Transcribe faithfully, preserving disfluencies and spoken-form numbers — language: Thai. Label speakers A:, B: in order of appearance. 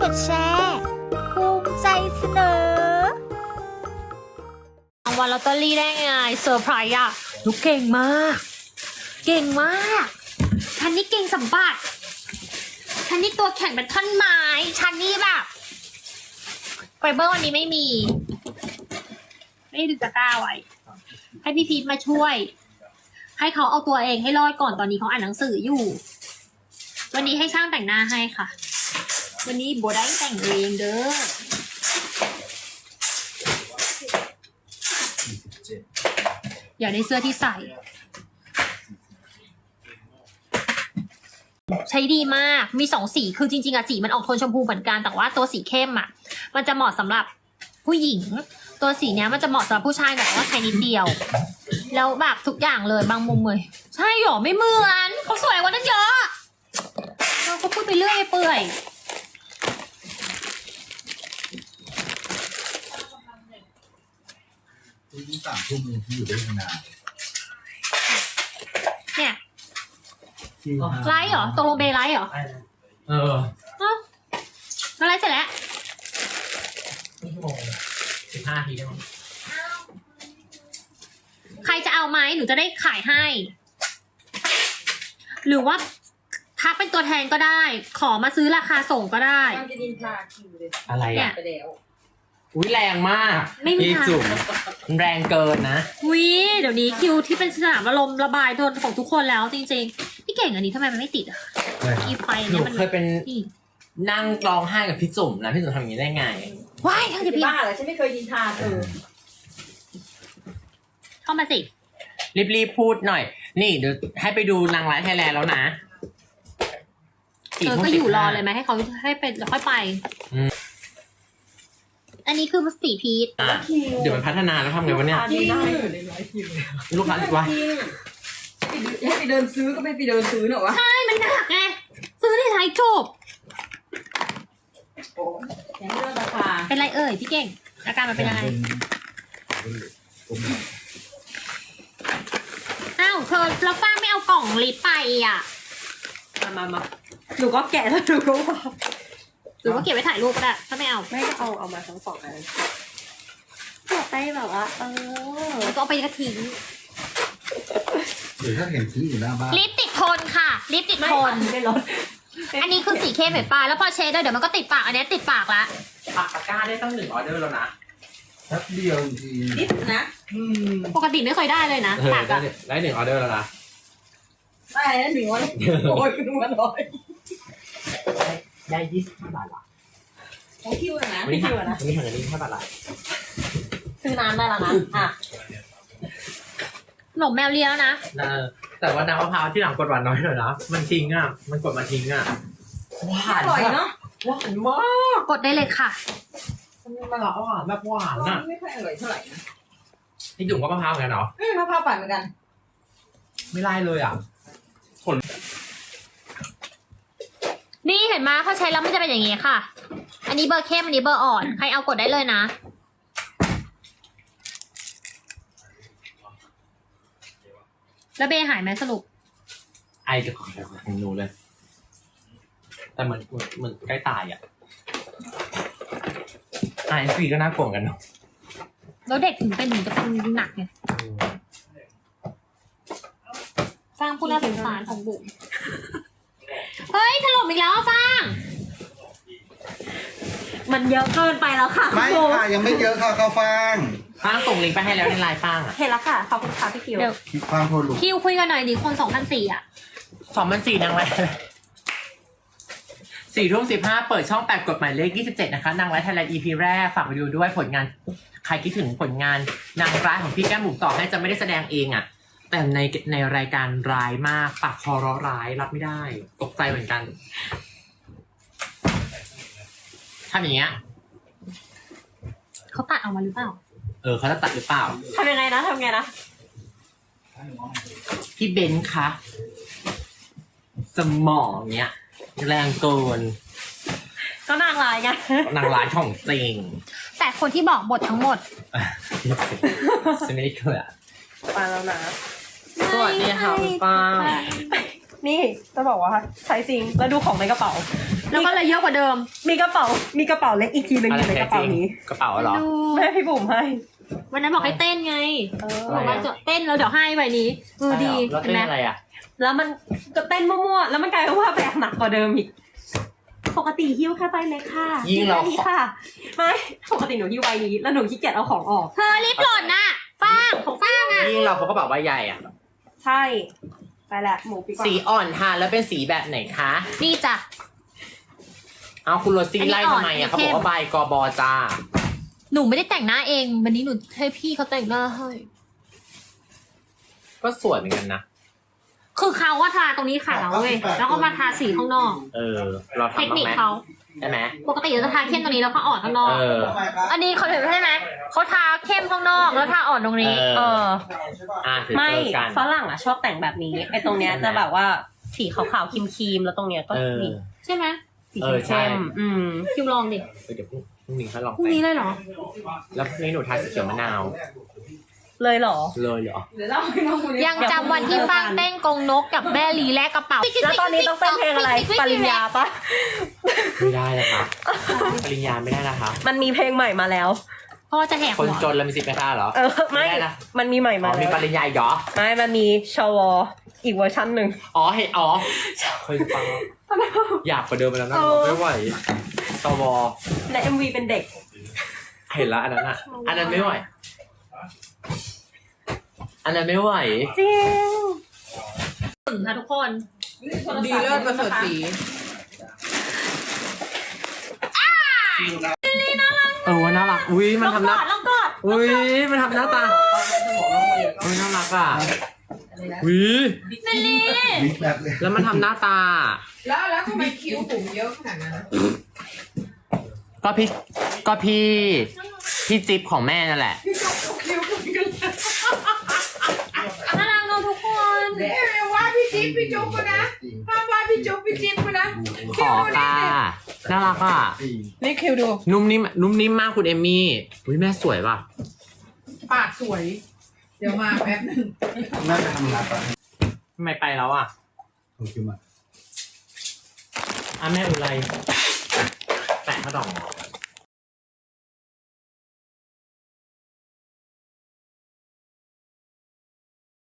A: ดแชร์ภูมิใจเสนอรางวัลลอตเตอรี่ได้ไงเซอร์ไพรส์อะลูกเก่งมากเก่งมากฉันนี่เก่งสัมบัติฉันนี่ตัวแข็งเป็นท่อนไม้ฉันนี่แบบไฟเบอร์วันนี้ไม่มีไม่ดึงตะกร้าไว้ให้พี่พีทมาช่วยให้เขาเอาตัวเองให้รอดก่อนตอนนี้เขาอ่านหนังสืออยู่วันนี้ให้ช่างแต่งหน้าให้ค่ะวันนี้โบได้แต่งเองเด้ออยากได้เสื้อที่ใส่ใช้ดีมากมีสองสีคือจริงๆอะสีมันออกโทนชมพูเหมือนกันแต่ว่าตัวสีเข้มอะมันจะเหมาะสำหรับผู้หญิงตัวสีเนี้ยมันจะเหมาะสำหรับผู้ชายแต่ว่าใช้นิดเดียวแล้วแบบทุกอย่างเลยบางมุมเลยใช่หรอไม่เหมือนเขาสวยกว่านั้นเยอะเราก็พูดไปเรื่อยเปื่อย
B: ที่สามทุ่มนึงที่อยู่ได้นาน
A: เนี่ยไลฟ์เหรอตกลงเบย์ไลฟ์เหรอ
C: เออ
A: เอ้าไลฟ์เสร็จแล้ว
C: นี่ชั่วโมงสิบห้าทีได้มั้ง
A: ใครจะเอาไหมหนูจะได้ขายให้ หรือว่าทักเป็นตัวแทนก็ได้ ขอมาซื้อราคาส่งก็ได้
D: มันจะดินทาคิวเลย
C: อะไร
A: เนี่
C: อ่ะ
A: ย
D: ไปแล้ว
C: อุ้ยแรงมาก
A: ไม่มี
C: พี่
A: ทาง
C: จุ๋มแรงเกินนะ
A: วิเดี๋ยวนี้คิวที่เป็นสนามอารมณ์ระบายโทนของทุกคนแล้วจริงๆพี่เก่งอันนี้ทำไมมันไม่ติดอ่ะอีไฟ
C: หนู
A: เนี่ยมัน
C: เคยเป็น
A: นี่
C: นั่งร้องไห้กับพี่จุ๋มนะพี่จุ๋มทำอย่างนี้ได้ไง
A: ว้ายทางจะ
D: จะ
A: พี่
D: บ้าเหรอฉันไม่เคยดินทาเธอ
A: เข้ามาสิ
C: รีบๆพูดหน่อย นี่เดี๋ยวให้ไปดูนางร้ายไทยแลนด์แล้วนะ
A: เธอก็อยู่รอเลยไหมให้เขาให้ไปแล้วค่อยไปอันนี้คือสีพีช
C: อ่ะเดี๋ยวมันพัฒนาแล้วทำไงวะเนี่ย
D: จริงได้อยู่ในร้อยคิวเลย
C: ลูกค้าว่า
D: จริงให้ไปเดินซื้อก็ไม่ไปเดินซื้อหรอวะ
A: ใช่มันหนักไงซื้อที่ไทยจบ
D: โอ้แข่งเรื่องราคา
A: เป็นไรเอ่ยพี่เก่งอาการมันเป็นยังไงอ้าวเธอแล้วฟ้าไม่เอากล่องลิปไปอ่ะ
D: มามามาหนูก็แกะแล้วหนูก็ว่า
A: หรือว่าเก็บไว้ถ่ายรูปก็ได้ถ้าไม่เอา
D: ไม่ก็เอาเอามาทั้งสองอัน
A: เก็บไปแบบว่าเออก็เอาไปกระทิ้ง
B: หรือถ้าเห็นซื้ออยู่หน้าบ้าน
A: ลิปติดทนค่ะลิปติด
D: ไม่
A: ทน
D: ไม่ลด
A: อันนี้คือสีเข้มเห็นปะแล้วพอเชดด้วยเดี๋ยวมันก็ติดปากอันนี้ติดปากละ
C: ปักตะกร้าได้ตั้งหนึ่งออเดอร์แล้วนะ
B: แป๊บเดียวจริง
D: นิดนะ
C: อืม
A: ปกติไม่เคยได้เลยนะ
C: เออ
A: ปาก
C: ได้
A: อะ
C: หนึ่งได้หนึ่งออเดอร์แล้วนะ
D: ได้แล้วหนึ่งวันโอ้ยหนึ่งวันร้อย
C: ได้ยี่สิบห้าบาทละ
D: ของคิวนะ
C: วันนี้
D: คิ
C: หัก
D: วนะ
C: วันนี้หักเงินยี่สิบห้าบาทละ
D: ซื้อน้ำได้แล้วนะอ่ะ
A: ขนมแมวเลียแล้วนะ
C: เออแต่ว่าน้ำมะพร้าวที่หลังกดหวานน้อยหน่อยนะมันทิ้งอ่ะมันกดมาทิ้งอ่ะหวา
D: อน ร่อยเนาะ
C: หวานมาก
A: กดได้เลยค่ะ
C: มันละหวานแบบหวานอ่ะ
D: ไม่ค่อยอร่อยเท่าไหร่นะ
C: พี่จุ๋มก็มะพร้าวเหมือนกันเหรอ
D: อืมมะพร้าวปั่นเหมือนกัน
C: ไม่ไล่เลยอ่ะ
A: นี่เห็นไหมพอใช้แล้วมันจะเป็นอย่างงี้ค่ะ อันนี้เบอร์เข้มอันนี้เบอร์อ่อนใครเอากดได้เลยนะแล้วเบย์หายไหมสรุป
C: ไอจะขอของหนูเลย แต่เหมือนเหมือนใกล้ตายอ่ะไอซีก็น่ากลัวเหมือนกันเนาะ
A: แล้วเด็กถึงเป็นถึงจะเป็นหนักไงสร้างผู้น่าสงสารของบุ๋มเฮ้ยถล่มอีกแล้วอะฟาง
D: มันเยอะเกินไปแล้วค่ะ
B: ไม่ค่ะยังไม่เยอะค่ะข้าวฟ่าง
C: ป้างส่งลิงก์ไปให้แล้วในไลน์ป้างอ่ะ
D: เห็นแล้วค่ะขอบคุณค่ะพี่คิว
A: เดี๋ยว
B: ความโทรลุก
A: คิวคุยกันหน่อยดิคนสองพันสี่อ่ะ
C: สองพันสี่นางไรสี่ทุ่มสิบห้าเปิดช่องแปดกฎหมายเลขยี่สิบเจ็ดนะคะนางร้ายไทยแลนด์ อี พี แรกฝากไปดูด้วยผลงานใครคิดถึงผลงานนางร้ายของพี่แก้มบุ๋มต่อให้จะไม่ได้แสดงเองอ่ะ แต่ในในรายการร้ายมากปากคอร้อร้ายรับไม่ได้ ตกใจเหมือนกันทำอย่างเงี้ย
A: เขาตัดออกมาหรือเปล่า
C: เออเขาจะตัดหรือเปล่า
D: ทำยังไงนะทำไงนะ
C: พี่เบนซ์คะสมองเนี้ยแรงเกิน
D: ก็นางลายไง
C: นางร้ายของจริง
A: แต่คนที่บอกบททั้งหมด
C: จะไม่ได้เกิด
D: ไปแล้วนะ
C: สวัสดีค่ะคุณป้า
E: นี่จะบอกว่าใช้จริงแล้วดูของในกระเป๋า
A: แล้วก็เลยเยอะกว่าเดิม
E: มีกระเป๋ามีกระเป๋าเล็กอีกทีหนึง
C: อะ
E: อ
C: ไร
E: ยู่ใน
C: แท้
E: กระเป๋า
C: จริง
E: นี้
C: กระเป๋าเหรอ
A: ดู
E: แม่พี่บุ๋มให้
A: วันนั้นบอกให้เต้นไง
E: เออ
A: บอกว่าจะเต้นแล้วเดี๋ยวให้ใบนี้เออดี
C: แล้ว
A: เห็
C: เต้
A: น
C: น
A: ไหม
C: อะไรอ่ะ
E: แล้วมันก็เต้นมั่วๆแล้วมันกลายเป็นว่าแบกหนักกว่าเดิมอีกปกติหิ้วแค่ใบเล็กค่ะ
C: ยิ่งเรา
E: แค่นี้ค่ะไม่ปกติหนูหิ้วใบนี้แล้วหนูขี้เกียจเอาของออก
A: เธอรีบหล่นน่ะฟางฟางอ่ะ
C: ยิ่งเราพกกระเป๋าใบใหญ่อ่ะ
E: ใช่ไปแหละหมูปีกว่า
C: สีอ่อนทาแล้วเป็นสีแบบไหนคะ
A: นี่จ้ะ
C: เอาคุณโรซี่
A: อันนี้
C: ไล่
A: อ่อน
C: ทำไม
A: อันนี้
C: อ่ะเขา
A: เข้
C: บอ
A: ม
C: กว่าใบกบจ้า
A: หนูไม่ได้แต่งหน้าเองวันนี้หนูให้พี่เขาแต่งหน้าให้
C: ก็สวยเหมือนกันนะ
A: คือเขาว่าทาตรงนี้ขาวเว้ยแล้วก็มาทาสีข้างนอก
C: เออ เรา
A: เทค
C: ทำบ้าง
A: นิค
C: ไหม
A: เขา
C: ใช่ไหม
A: ปกติเราจะทาเข้มตรงนี้แล้วก็อ่อนข้างนอก
C: เออ
A: อันนี้เขาเห็นใช่ไหมเขาทาเข้มข้างนอกแล้วทาอ่อนตรงนี้
E: เออ
C: อ่ะถือ
E: ไม่
C: เจอกัน
E: ฝรั่งอ่ะชอบแต่งแบบนี้ไอ้ตรงเนี้ยจะแบบว่าสีขาวๆครีมๆแล้วตรงเนี้ยก็
C: เออ
E: นี่
A: ใช่ไหม
E: สี
C: เออใช่
E: เข้มๆอืม
A: คิวลองดิ
C: เออเดี๋ยวพรุ่งพรุ่งนี้เขาลอง
A: พรุ่งนี้เลยเหรอ
C: แล้วพรุ่งนี้หนูทาสีเขียวมะนาว
E: เลยเหรอ
C: เลยเหรอ
D: เดี๋ยวเล่าให้น้องคนนี้
A: ยังจำวันที่ฟางเต้นกงนกกับแม่ลีแลกกระเป๋า
E: แล้วตอนนี้ต้องเต้นเพลงอะไรปริญญาปะ
C: ไม่ได้นะคะปริญญาไม่ได้นะคะ
E: มันมีเพลงใหม่มาแล้ว
A: พ่อจะแหก
C: คน
A: หัว
C: จนแล้วมีสิทธิ์ไหมคะเหรอ
E: เออไม่
C: ไม่ได้นะ
E: มันมีใหม่
C: อ๋
E: มา
C: อมี
E: แล้ว
C: ปริญญาอีกเหรอ
E: ไม่มันมีชวอีกเวอร์ชันหนึ่ง
C: อ๋อเห็นอ๋อเคยฟังอยากกว่าเดิมไปแล้วนะ
E: เออ
C: ไม่ไหวสว
E: และ เอ็ม วี เป็นเด็ก
C: เห็นแล้วอันนั้นอ่ะ อันนั้นไม่ไหว อันนั้นไม่ไหว
E: จริง
A: ถึงค่ะทุกคน
D: ดีเลิศประเสริฐศรี
C: เออว่าน่ารัก อุ้ยมันทำหน้า
A: ลองกอด
C: อุ้ยมันทำหน้าตาอุ้ยน่ารักอ่ะอุ้ย
A: เมลี่
B: บิ๊กแบบเลย
C: แล้วมันทำหน้าตา
D: แล้วแล้วทำไมคิ้วผมเยอะขนาดนั้นนะ
C: ก็พี่ ก็พี่ พี่จิ๊บของแม่นั่นแหละ
D: พี่จุ๊บคิ้วผมกัน
A: น่ารักเนอะทุกคน
D: เดี๋ยวว่าพี่จิ๊บพี่จุ๊บกูนะห้ามว่าพี่จุ๊บพี่จิ๊บกูนะ
C: ขอค่ะ น่ารักอ่ะ
B: จริง
D: นี่คิ้วดู
C: นุ่มนิ่ม นุ่มนิ่มมากคุณเอมมี่ อุ้ยแม่สวยป่ะ
D: ปากสวย เดี๋ยวมาแป๊บนึง
B: น่าจะทำงานไป
C: ทำไมไปแล้วอ่ะ
B: โอเคมา
C: อ่ะแม่อุไรแปะข้าวดอง